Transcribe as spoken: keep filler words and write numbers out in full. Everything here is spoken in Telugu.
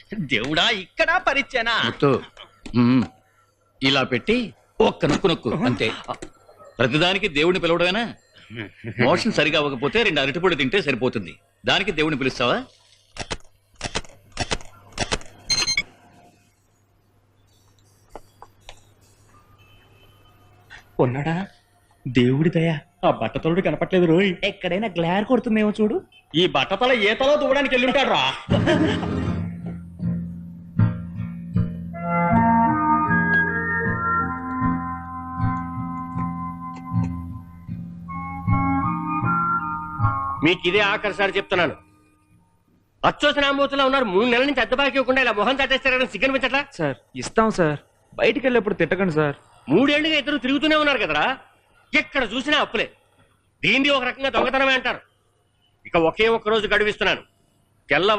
దేవుడా ఇక్కడ పరిచనా ముత్తు, ఉమ్, ఇలా పెట్టి ఒక్క నొక్కు నొక్కు అంతే. ప్రతిదానికి దేవుడిని పిలవడమేనా? మోషన్ సరిగా అవ్వకపోతే రెండు అరటిపొడి తింటే సరిపోతుంది. దానికి దేవుడిని పిలుస్తావా? ఉన్నాడా? దేవుడి దయ ఆ బట్టతలుడు కనపట్లేదు రోయ్. ఎక్కడైనా గ్లార్ కొడుతుందేమో చూడు. ఈ బట్టతల ఏ తలో దూవడానికి వెళ్ళుంటాడు రా. మీకు ఇదే ఆఖరిసారి చెప్తున్నాను. అచ్చోసిన ఆంబోతులా ఉన్నారు. మూడు నెలల నుంచి అద్దె బాకీ ఇవ్వకుండా ఇలా మొహం తట్టేస్తారని సిగ్గనిపించట్లా? సార్ ఇస్తాం సార్, బయటికి వెళ్ళేప్పుడు తిట్టకండి సార్. మూడేళ్లుగా ఇద్దరు తిరుగుతూనే ఉన్నారు కదరా. ఎక్కడ చూసినా అప్పులే. దీన్ని ఒక రకంగా దొంగతనమే అంటారు. ఇక ఒకే ఒక్క రోజు గడువిస్తున్నాను. తెల్ల